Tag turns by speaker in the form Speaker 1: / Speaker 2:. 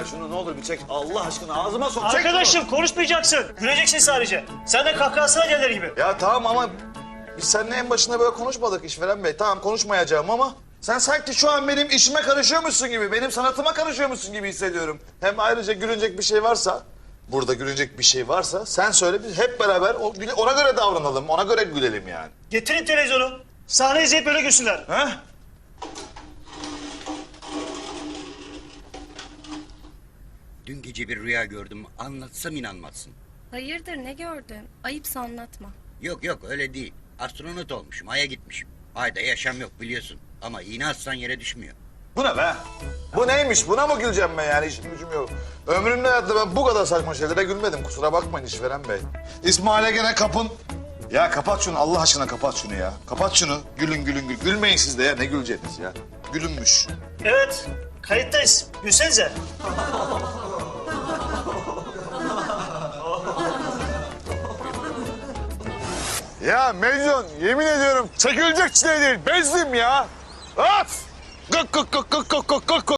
Speaker 1: şunu ne olur bir çek. Allah aşkına ağzıma sok. Çek
Speaker 2: Arkadaşım konuşmayacaksın. Güleceksin sadece. Sen de kahkahasına gelir gibi.
Speaker 1: şunu. Ya tamam ama biz seninle en başında böyle konuşmadık işveren bey. Tamam konuşmayacağım ama sen sanki şu an benim işime karışıyormuşsun gibi, benim sanatıma karışıyormuşsun gibi hissediyorum. Hem ayrıca gülünecek bir şey varsa, burada gülünecek bir şey varsa sen söyle, biz hep beraber ona göre davranalım, ona göre gülelim yani.
Speaker 2: Getirin televizyonu. Sahne izleyip böyle gülsünler.
Speaker 1: He?
Speaker 3: Dün gece bir rüya gördüm. Anlatsam inanmazsın.
Speaker 4: Hayırdır ne gördün? Ayıpsa anlatma.
Speaker 3: Yok yok öyle değil. Astronot olmuşum. Ay'a gitmişim. Ayda yaşam yok biliyorsun. Ama iğne atsan yere düşmüyor.
Speaker 1: Bu ne be? Bu neymiş? Buna mı güleceğim ben yani? İşim gücüm yok. Ömrümde hayatta ben bu kadar saçma şeylere gülmedim. Kusura bakmayın işveren bey. İsmail'e gene kapın. Ya kapat şunu Allah aşkına, kapat şunu ya. Kapat şunu. Gülün gülün gül. Gülmeyin siz de ya. Ne güleceğiniz ya? Gülünmüş.
Speaker 2: Evet. Kayıttayız. Gülsenize.
Speaker 1: Ya Mecnun yemin ediyorum çekilecek çile değil. Bezdim ya. At! Kık kık kık kık kık kık kık.